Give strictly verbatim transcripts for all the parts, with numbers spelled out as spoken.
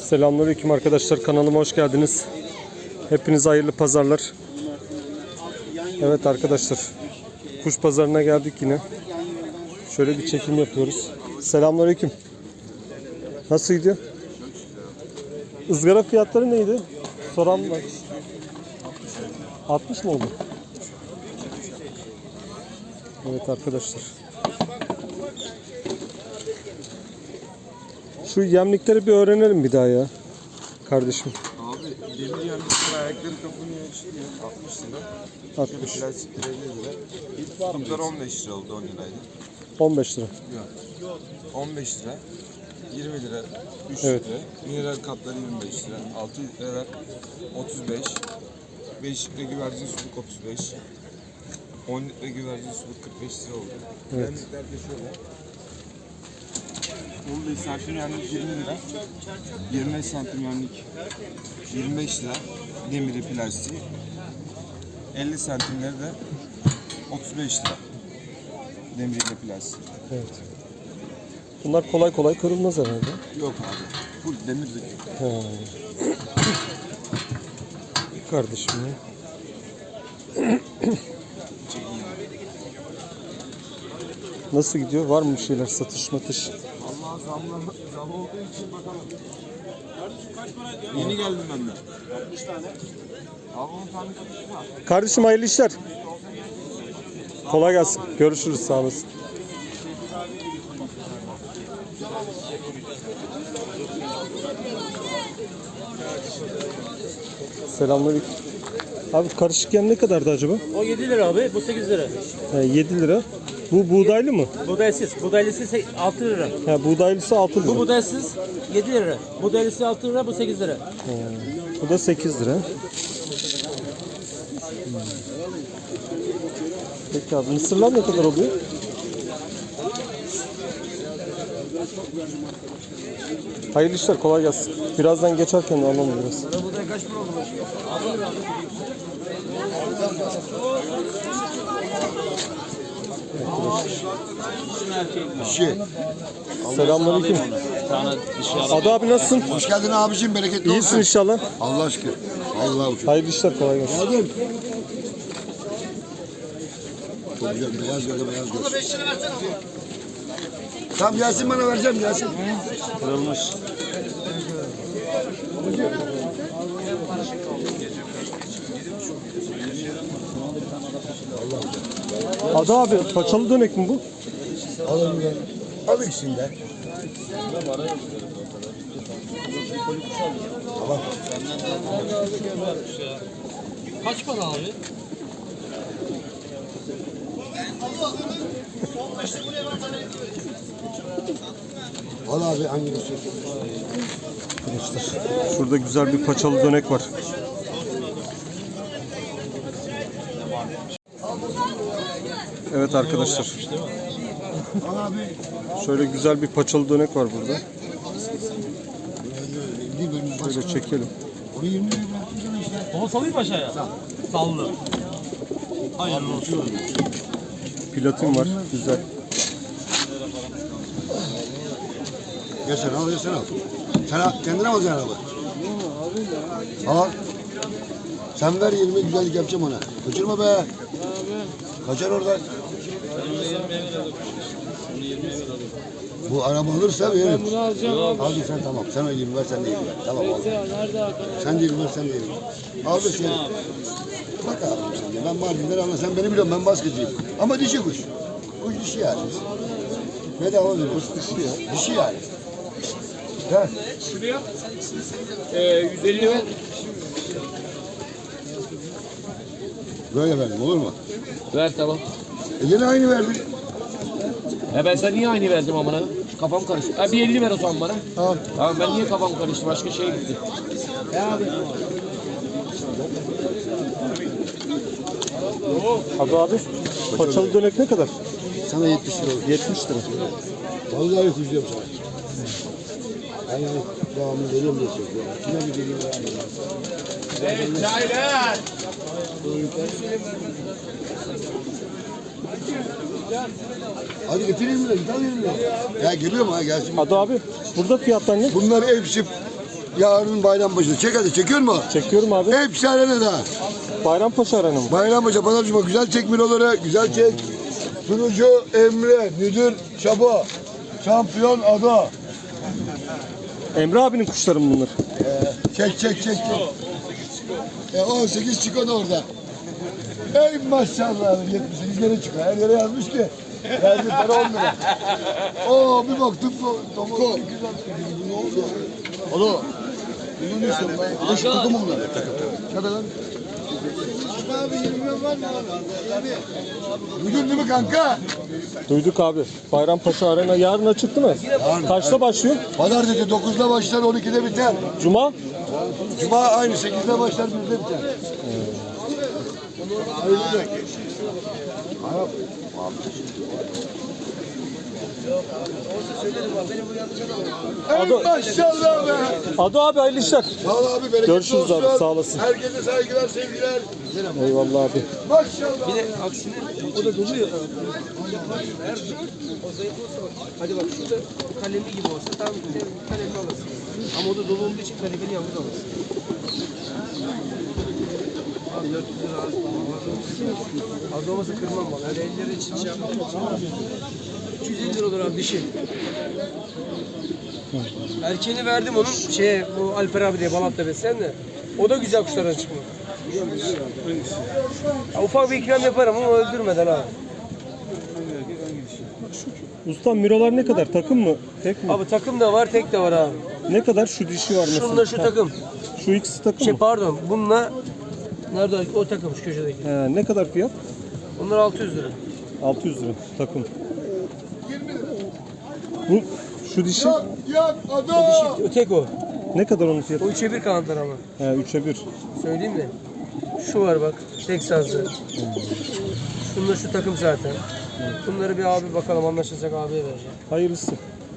Selamünaleyküm arkadaşlar, kanalıma hoş geldiniz. Hepinize hayırlı pazarlar. Evet arkadaşlar, kuş pazarına geldik yine. Şöyle bir çekim yapıyoruz. Selamünaleyküm. Nasıl gidiyor? Izgara fiyatları neydi? Soran var. altmış mı oldu? Evet arkadaşlar. Şu yemlikleri bir öğrenelim bir daha ya. Kardeşim. Abi demir yemlikler ayakları kapanıyor çıkıyor altmış lira. altmış. Şöyle plastikler elli lira. İlk tutuklar on beş lira oldu, on liraydı. on beş lira. Yok. on beş lira. yirmi lira. üç Evet. lira. Mineral kapları yirmi beş lira. altı lira otuz beş. beş litre güvercin suluk otuz beş. on litre güvercin suluk kırk beş lira oldu. Evet. Yemlikler de şöyle. Bolu isafir yemlik yirmi lira. yirmi beş santim yemlik yirmi beş lira. Demiri plastiği. elli santimleri de otuz beş lira. Demiriyle plastiği. Evet. Bunlar kolay kolay kırılmaz herhalde. Yok abi. Full demirlik. He. Kardeşim ya. Nasıl gidiyor? Var mı bir şeyler? Satış matış? Allah zamla zam olduğu için bakalım. Yeni geldim ben de. altmış tane. Abi on tane satış var. Kardeşim hayırlı işler. Kolay gelsin. Görüşürüz. Sağ olasın. Selamünaleyküm. Abi karışık yem ne kadardı acaba? O yedi lira abi, bu sekiz lira. He, yedi lira. Bu buğdaylı mı? Buğdaysız, buğdaylısı se- altı lira. He, buğdaylısı altı lira. Bu buğdaysız yedi lira. Buğdaylısı altı lira, bu sekiz lira. Bu da sekiz lira. Hmm. Peki abi mısırlar ne kadar oluyor? Hayırlı işler, kolay gelsin. Birazdan geçerken de alalım biraz. Buğday kaç para oldu? Selamünaleyküm. Adı abi nasılsın? Hoş geldin abicim, bereketli İyisin olsun. inşallah. Allah aşkına. Allah uçur. Hayırlı işler, kolay gelsin. Geldim. Çok güzel, beyaz göre beyaz göre. Tamam gelsin, bana vereceğim, gelsin. Kırılmış. Adı abi paçalı dönek mi bu? Alın gel. Al ikisini de. Tamam. Kaç para abi? Al abi hangisi? Şurada güzel bir paçalı dönek var. Evet arkadaşlar. Al abi. Şöyle güzel bir paçalı dönek var burada. Değil benim başka. Şöyle çekelim. Onu yirmi liraya bıraktım sana işte. Onu salayım aşağıya. Sallı. Hayırlı olsun. Platin var. Güzel. Gel sen al, gel sen al. Sen al, kendine al yani abi. Al. Sen ver yirmi, güzellik yapacağım ona. Kaçırma be. Kaçar oradan. Bu araba alırsa veririm. Ben bunu alacağım abi. Al sen tamam. Sen o yirmi ver, sen de yirmi ver. Tamam al. Sen de yirmi ver, sen de yirmi ver. Al da şey. Bak abi sen de. Ben Mardin'den anla. Sen beni biliyorsun. Ben baskıcıyım. Ama dişi kuş. Kuş dişi yani. Bedava veriyoruz. Kuş dişi ya. Dişi yani. He. Şuraya ee, yüz elli ver. Böyle verdim, olur mu? Ver tamam. E yine aynı verdin. Ya ben sana niye aynı verdim amına? Kafam karıştı. Ha bir elli ver o zaman bana. Tamam. Tamam ben niye kafam karıştı? Başka şeye gitti. Adı abi paçalı dönek ne kadar? Sana yetmiş lira olur. yetmiş lira. Vallahi kuşluyorum sana. Ben yani devamlı veriyorum diye söylüyorum. Kime bir geliyor yani. Evet çaylar. Hadi getireyim mi? Git alayım mı? Ya geliyor mu ha gelsin. Adı abi burada fiyatlar ne? Bunlar hepsi yarın Bayrampaşa. Çek hadi, çekiyor mu? Çekiyorum abi. Hepsi arenada. Bayrampaşa Arena mı? Bayrampaşa, Pazar Cuma. Güzel çek miloları, güzel çek. Sunucu Emre, müdür Şabo. Şampiyon Ado. Emre abinin kuşları mı bunlar? Çek çek çek. çek. E, on sekiz çıkıyor da orada. Ey maşallah, yetmiş sekiz gene çıkıyor. Her yere yazmış ki. Verdi para on lira. Oo, bir baktık bu. Tamam. Ne oldu? Alo. Bunu ne istiyorsun ben? Beş takım bunlar. Hadi lan. Abi yirmi milyon var mı abi? Duydun değil mi kanka? Duyduk abi. Bayrampaşa Arena yarın açık değil mi? Yarın. Kaçta başlıyor? Pazartesi dokuzda başlar, on ikide biter. Cuma? Cuma aynı sekizde başlar, birde biter. Hayırlı. Ado, Maşallah be. Ado abi hayırlı işler. Sağ ol abi, bereketli Görüşürüz olsun. abi, sağ olasın. Herkese saygılar, sevgiler. Eyvallah abi. Maşallah. Bir de aksine o da doluyor. Hadi bak şurada kalemli gibi olsa tam kalemli alırsın. Ama o da dolu olduğu için kalemli yalnız alırsın. Abi dört yüz lira az. Az olmasa kırmam bak. Öyle elleri için şey yapmam. üç yüz elli lira olur abi dişi. Erkeğini verdim onun şeye bu Alper abi diye Balat'ta besleyen de. O da güzel kuşlardan çıkma. Ya ufak bir ikram yaparım ama öldürmeden ha. Ustam mirolar ne kadar? Takım mı? Tek mi? Abi takım da var, tek de var abi. Ne kadar? Şu dişi var mesela. Şununla şu Ha, takım. Şu ikisi takım Şey mı? pardon, bununla nerede o takım şu köşedeki. He, ne kadar fiyat? Bunlar altı yüz lira. altı yüz lira takım. Bu şu dişi Yak, yak, Ado. O tek o. ne kadar onun fiyatı? O üçe bir kanatlar ama. He, üçe bir. Söyleyeyim mi? Şu var bak, tek sazlı. Şunlar şu takım zaten. Bunları bir abi bakalım anlaşırsak abiye vereceğim. Hayırlısı.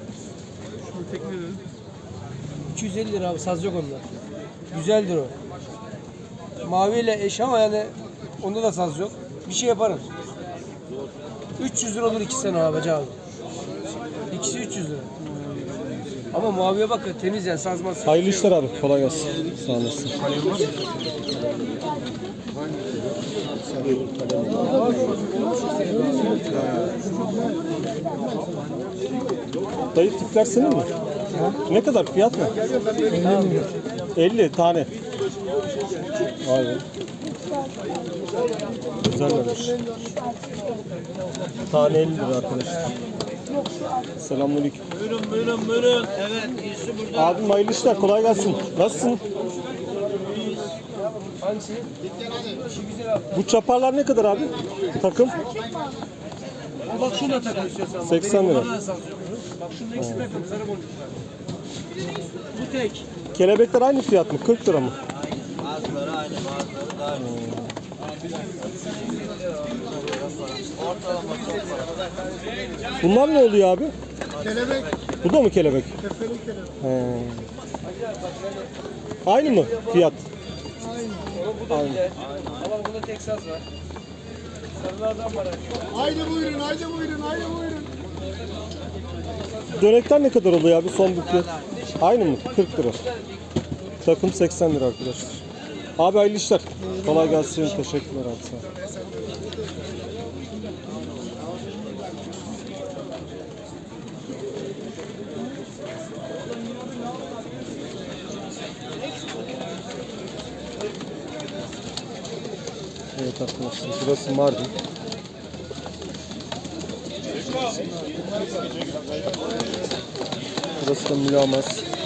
iki yüz elli lira abi, saz yok onda. Güzeldir o. Maviyle eş ama yani onda da saz yok. Bir şey yaparım. üç yüz lira olur iki sene abi abi. İkisi üç yüz lira. Ama maviye bak temiz yani sazmaz. Hayırlı işler abi. Kolay gelsin. Sağ olasın. Dayı tipler senin mi? Ne kadar fiyat mı? elli tane. Vay be. Güzellermiş. Tane elli lira arkadaşlar. Selamünaleyküm. Buyurun buyurun buyurun. Evet iyisi burada. Abim hayırlı işler. Kolay gelsin. Nasılsın? Hangisi? Bu çaparlar ne kadar abi? Takım? Bak şuna takın istiyorsan. seksen lira. Bana da saz yok. Bak şunun ikisi takım sarı boncuklar. Bu tek. Kelebekler aynı fiyat mı? kırk lira mı? Bazıları aynı bazıları daha iyi. Ortalama çok para. Bunlar ne oluyor abi? Kelebek. Bu da mı kelebek? He. Aynı mı fiyat? Bu da güzel. Ama bunda tek saz var. Sarılardan var. Haydi buyurun, haydi buyurun, haydi buyurun. Dönekler ne kadar oluyor abi son bir fiyat? Aynı mı? kırk lira. Takım seksen lira arkadaşlar. Abi hayırlı işler. Kolay gelsin. Teşekkürler abi. Sağ ol. Evet arkadaşlar. Burası Mardin. Burası da Mülamaz.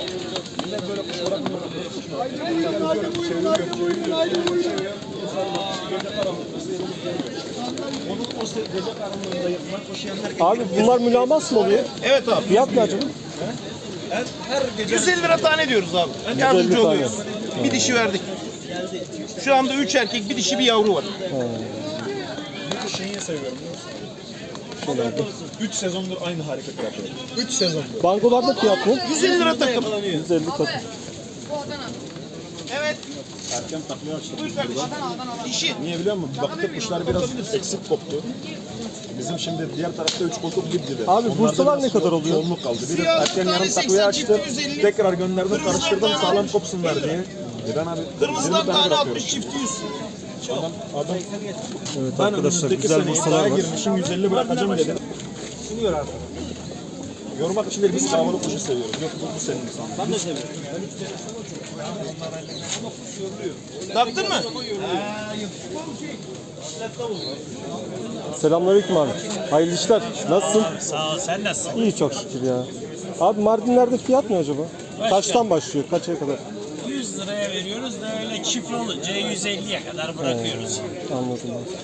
Abi bunlar mülamas mı oluyor? Evet abi. Fiyat ne acaba? yüz elli lira tane diyoruz abi. yüz elli Yardımcı tane. oluyoruz. Bir dişi verdik. Şu anda üç erkek, bir dişi, bir yavru var. Bir şeyi seviyorum biliyor musun? üç sezondur aynı hareketi yapıyor. üç sezondur. Bangolarda fiyat ne? yüz elli lira takım. yüz elli takım. Evet. Erken takviye açtık Buyur biz kardeşim. burada. Dişi. Niye biliyor musun? Baktık kuşlar biraz eksik koptu. Bizim şimdi diğer tarafta üç koltuk gibdi. Abi Onlarda bursalar biraz ne kadar yo- oluyor? Yoğunluk kaldı. Bir de Siyah erken tane yarım seksen, takviye açtım. çifti yüz elli. Tekrar gönderdim, Kırmızılar karıştırdım tane sağlam altmış, kopsunlar çifti diye. İran abi Kırmızılar yirmi tane tane bırakıyor. altmış çifti yüz. Adam, adam Evet ben arkadaşlar önümüzdeki güzel seneye bursalar daha var. girmişim yüz elli bırakacağım dedim. Sunuyor artık. Yormak için değil, biz kavurlu kuşu seviyoruz. Yok bu, bu senin insan. Ben de seviyorum. Taktın mı? Selamünaleyküm abi. Hayırlı işler. Nasılsın? Sağ ol, sen nasılsın? İyi çok şükür ya. Abi Mardinler'de fiyat ne acaba? Kaçtan başlıyor? Kaça kadar? yüz liraya veriyoruz da öyle çift olunca yüz elliye kadar bırakıyoruz. Anladım abi.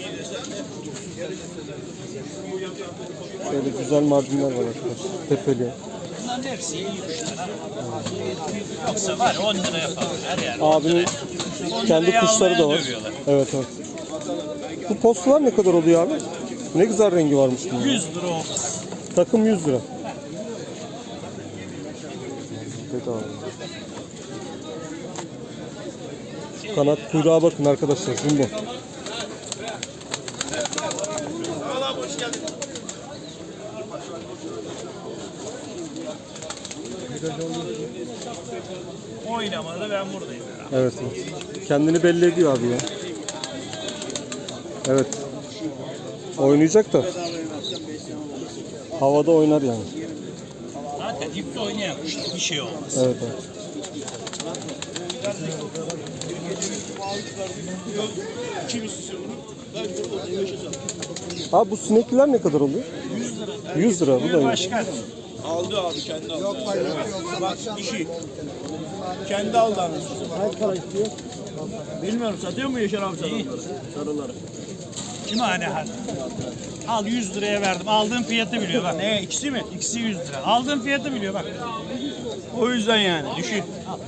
Şöyle güzel Mardinler var arkadaşlar. Tepeli. Bunların hepsi iyi kuşlar. Yoksa var on liraya falan her yer. Abinin kendi liraya kuşları da almaya var. dövüyorlar. Evet evet. Bu postalar ne kadar oluyor abi? Ne güzel rengi varmış bunun. yüz lira o. Takım yüz lira. Bedava. Kanat kuyruğa bakın arkadaşlar. Jumbo. Oynamadı ben buradayım. Evet, evet. Kendini belli ediyor abi ya. Evet. Oynayacak da. Havada oynar yani. Zaten dipte oynayan kuşlar bir şey olmaz. Evet, evet. Abi bu sinekliler ne kadar oluyor? yüz lira. yüz lira bu da iyi. Başkan. Aldı abi kendi aldı. Yok hayır. Bak dişi. Kendi aldı anasını. Kaç para istiyor? Bilmiyorum satıyor mu Yaşar abi sarıları? Sarıları. Kim hani hadi. Al yüz liraya verdim. Aldığım fiyatı biliyor bak. Ne ikisi mi? İkisi yüz lira. Aldığım fiyatı biliyor bak. O yüzden yani dişi.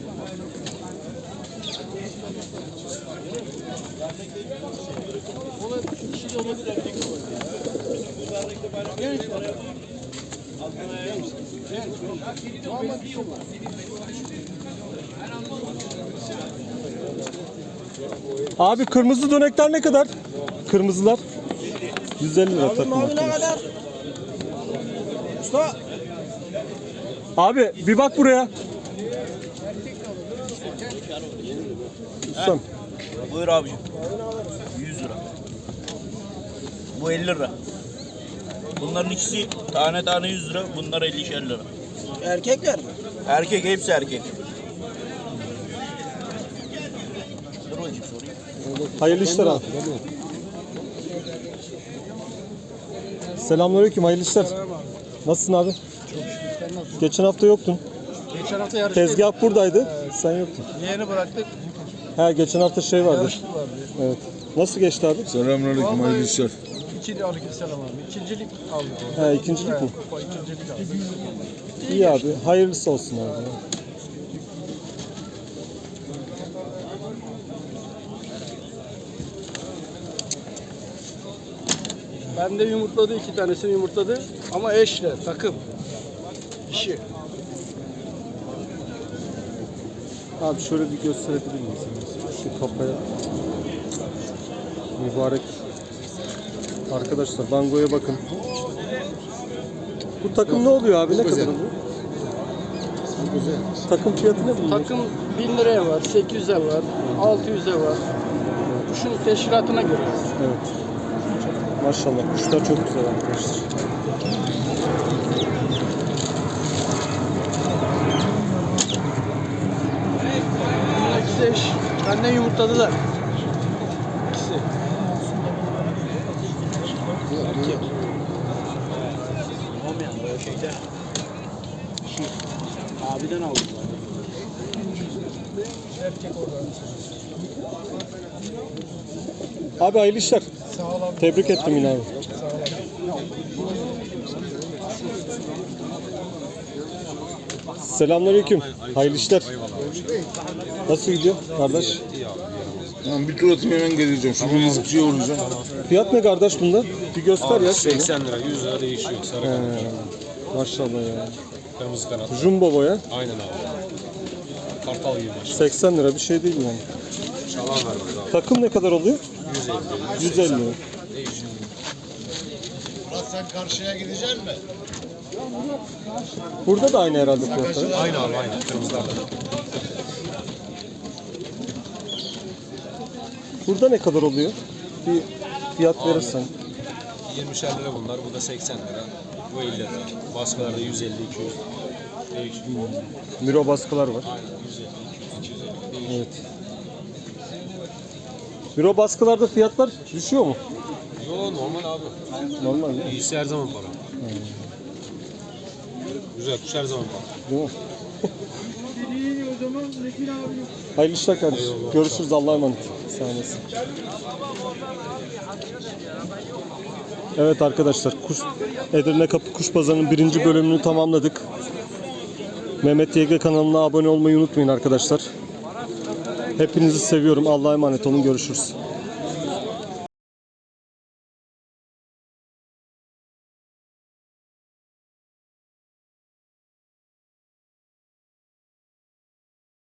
Abi kırmızı dönekler ne kadar? Kırmızılar. yüz elli lira takım arkadaşlar. Usta. Abi bir bak buraya. Ustam. Buyur abicim. yüz lira. Bu elli lira. Bunların ikisi tane tane yüz lira. Bunlar ellişer lira. Erkekler mi? Erkek, hepsi erkek. Dur bakayım sorayım. Hayırlı işler abi. Selamünaleyküm, hayırlı işler. Nasılsın abi? Geçen hafta yoktun. Geçen hafta yarıştaydık. Tezgah buradaydı. Sen yoktun. Yeğeni bıraktık. Ha geçen hafta şey vardı. Yarıştı vardı. Evet. Nasıl geçti abi? Selamünaleyküm, hayırlı işler. İkinci aleykümselam abi. İkincilik aldık. Ha ikincilik mi? Kupa ikincilik aldık. İyi abi. Hayırlısı olsun abi. Ben de yumurtladı, iki tanesini yumurtladı. Ama eşle, takım. Dişi. Abi şöyle bir gösterebilir miyiz? Şu kafaya. Mübarek. Arkadaşlar bangoya bakın. Bu takım ne oluyor abi? Ne kadar oluyor? Takım fiyatı ne bunun? Takım bin liraya var, sekiz yüze var, altı yüze var. Kuşun teşkilatına göre. Evet. Maşallah kuşlar çok güzel arkadaşlar. İkisi eş. Benden yumurtladılar. İkisi. Olmayan böyle şeyde. Abiden aldım. Abi hayırlı işler. Tebrik ettim yine abi. Selamünaleyküm. Hayırlı işler. Nasıl gidiyor kardeş? Tamam bir tur atayım hemen geleceğim. Şu bir rızıkçıya uğrayacağım. Fiyat ne kardeş bunda? Bir göster ya. şöyle. seksen lira, yüz lira değişiyor. Sarı He, maşallah ya. kırmızı kanat. Jumbo boya. Aynen abi. Kartal gibi baş. seksen lira bir şey değil yani. Çalan var burada abi. Takım ne kadar oluyor? yüz elli. yüz elli. Değişiyor. Sen karşıya gideceksin mi? Burada da aynı herhalde fiyatları. Aynı abi aynı. Kırmızılar da. Burada ne kadar oluyor? Bir fiyat verirsen. yirmişer lira bunlar. Bu da seksen lira. Bu elli lira. Baskılarda yüz elli iki yüz. Değişiyor. Miro baskılar var. Aynen yüz elli iki yüz elli. Değişiyor. Evet. Miro baskılarda fiyatlar düşüyor mu? Yo normal abi. Normal değil mi? İyisi her zaman para. Güzel kuş her zaman para. Değil mi? Hayırlı işler kardeşim. Görüşürüz. Allah'a emanet. Sağ olasın. Evet arkadaşlar, kuş, Edirne Kapı Kuş Pazarı'nın birinci bölümünü tamamladık. Mehmet Y G kanalına abone olmayı unutmayın arkadaşlar. Hepinizi seviyorum. Allah'a emanet olun. Görüşürüz.